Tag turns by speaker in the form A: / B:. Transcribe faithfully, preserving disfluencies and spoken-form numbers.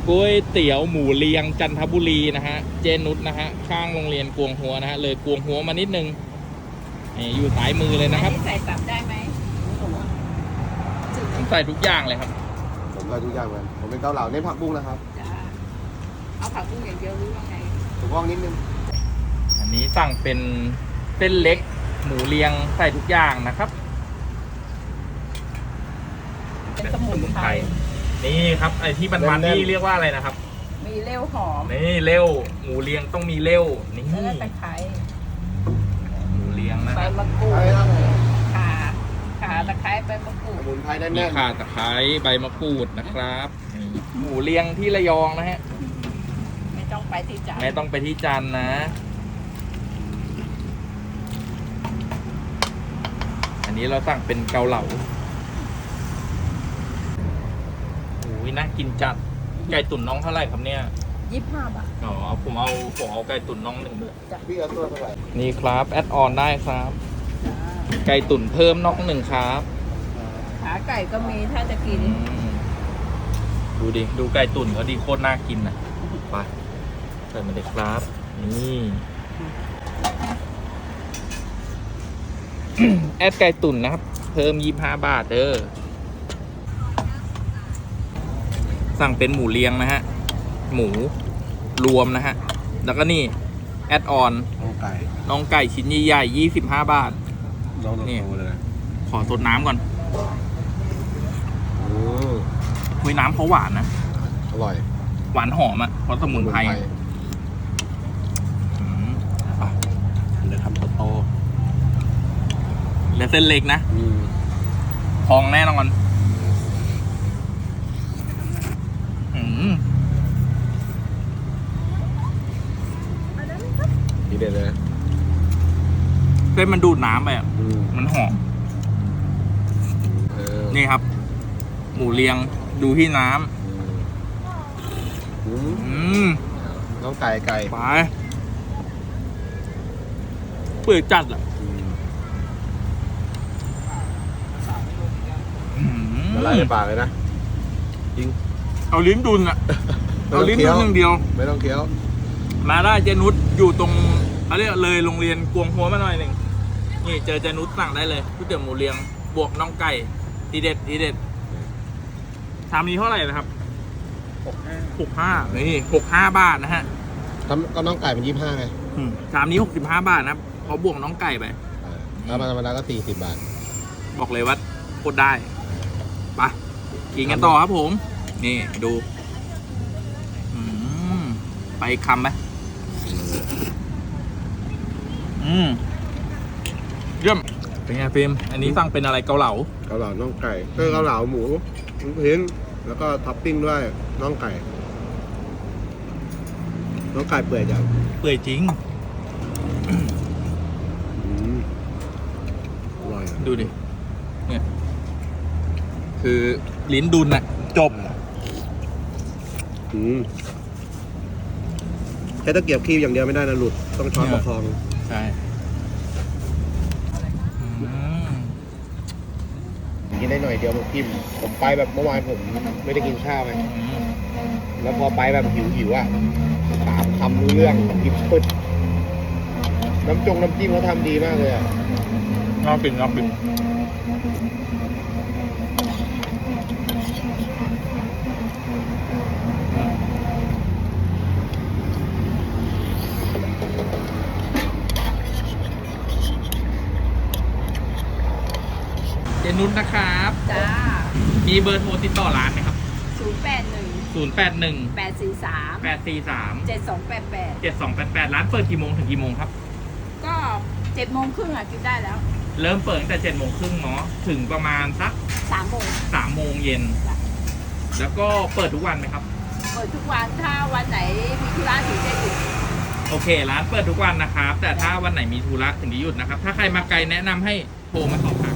A: ก๋วยเตี๋ยวหมูเลียงจันทบุรีนะฮะเจนุชนะฮะข้างโรงเรียนกวงหัวนะฮะเลยกวงหัวมานิดนึงนี่อยู่ซ้ายมือเลยนะครับ
B: ใส่ตับได้ไหม
A: ผมใส่ทุกอย่างเลยครับ
C: ผมใส่ทุกอย่างเลยผมเป็นเกาเหลาเน้นผักบุ้งนะครับ
B: จ้าเอาผักบุ้งอย่างเดียวหรือว่าไง
C: ถูกต้องนิดนึง
A: อันนี้สั่งเป็นเส้นเล็กหมูเลียงใส่ทุกอย่างนะครับ
B: เป็นสมุนไพร
A: นี่ครับไอที่มันๆนี่เรียกว่าอะไรนะครับ
B: มีเลี้ยวหอม
A: นี่เลี้ยวหมูเลียงต้องมีเลี้ยวนี่
B: แล้วตะไคร้
A: หมูเลียงนะ
B: ใบมะกรูดขาขาตะไคร้ใบมะกรูด
C: สมุนไพรแน่นๆ
A: มีข่าตะไคร้ใบมะกรูดนะครับหมูเลียงที่ระยองนะฮะ
B: ไม่ต้องไปที่จันทร์
A: ไม่ต้องไปที่จันทร์นะอันนี้เราสั่งเป็นเกาเหลาโอ้ยน่ากินจัดไก่ตุ๋นน้องเท่าไหร่ครับเนี่ย
B: ยี่สิบห้าบาท
A: อ๋อเอาผมเอาผมเอาไก่ตุ๋นน้องหนึ่งเลย
C: พี่เอาตัวเท่าไหร่
A: นี่ครับแอดออนได้ครับไก่ตุ๋นเพิ่มน้องหนึ่งครับ
B: ขาไก่ก็มีถ้าจะกิน
A: ดูดิดูไก่ตุ๋นเขาดีโคตรน่ากินนะไปใส่มาเลยครับนี่แอดไก่ตุ๋นนะครับเพิ่มยี่สิบห้าบาทเด้อสั่งเป็นหมูเลียงนะฮะหมูรวมนะฮะแล้วก็นี่แอดออน
C: น้องไก่
A: น้องไก่ชิ้นใหญ่ๆยี่สิบห้าบาท
C: นี่เลย
A: ขอสดน้ำก่อนคุยน้ำเขาหวานนะ
C: อร่อย
A: หวานหอมอ่ะเพราะสมุนไพร
C: เลยทำโต
A: ๆและเส้นเล็กนะพองแน่นอน
C: นี่เด็ดเลย
A: เส้นมันดูดน้ำไปอ่ะมันหอมนี่ครับหมูเลียงดูที่น้ำ
C: น้องไก่ไก่
A: ไปเปื่อยจัดอ่ะ
C: ละลายในปากเลยนะจริง
A: เอาลิ้นดุนอ่ะเอาลิ้นดุนอย่างเดียว
C: ไม่ต้องเคี้ยว
A: มาได้เจนุชอยู่ตรงเขาเรียกเลยโรงเรียนกวงหัวมาหน่อยหนึ่งนี่เจอเจนุชสั่งได้เลยก๋วยเตี๋ยวหมูเลียงบวกน้องไก่ทีเด็ดทีเด็ดชามนี้เท่าไหร่นะครับหกห้าหกห้านี่หกห้าบาทนะฮะ
C: ก็น้องไก่เป็นยี่สิบห้าไง
A: ชามนี้หกสิบห้าบาทนะครับเขาบวกน้องไก่ไป
C: แล้วมันธรรมดาก็สี่สิบบาท
A: บอกเลยว่าโคตรได้ไปกินกันต่อครับผมนี่ดูไปคำไหมอืมเยี่ยมเป็นไงฟิล์มอันนี้สั่งเป็นอะไรเกาเหลา
C: เกาเหลาน่องไก่ก็เกาเหลาหมูลูกชิ้นแล้วก็ท็อปปิ้งด้วยน่องไก่น่องไก่เปื่อยจัง
A: เปื่อยจริง
C: อร่อย
A: ดูดิเนี่ยคือลิ้นดุนน่ะจบ
C: อืมแค่ตะเกียบคีบอย่างเดียวไม่ได้นะหลุดต้องช้อนประคอง
A: ใช่
C: กินได้หน่อยเดียวผมพิมผมไปแบบเมื่อวานผมไม่ได้กินข้าวไงแล้วพอไปแบบหิวหิวอ่ะสามคำรู้เรื่องกินปึ๊ดน้ำจงน้ำจิ้มเขาทำดีมากเลยอ่ะ
A: น่ากินน่ากินเจนุชนะครับ
B: จ้า
A: มีเบอร์โทรติดต่อร้านไหมครับ
B: ศูนย์แปดหนึ่ง
A: ศูนย์แปดหนึ่ง
B: แปดสี่สาม
A: แปดสี่สาม
B: เจ็ดสองแปดแปด
A: เจ็ดสองแปดแปดร้านเปิดกี่โมงถึงกี่โมงครับ
B: ก็เจ็ดโมงครึ่งอ่ะกินได้แล้ว
A: เริ่มเปิดตั้งแต่เจ็ดโมงครึ่งเนาะถึงประมาณสัก
B: สามโมง
A: สามโมงเย็นแล้วก็เปิดทุกวันไหมครับ
B: เปิดทุกวันถ้าวันไหนมีธุระถึงจะหยุด
A: โอเคร้านเปิดทุกวันนะครับแต่ถ้าวันไหนมีธุระถึงจะหยุดนะครับถ้าใครมาไกลแนะนำให้โทรมาสอบถาม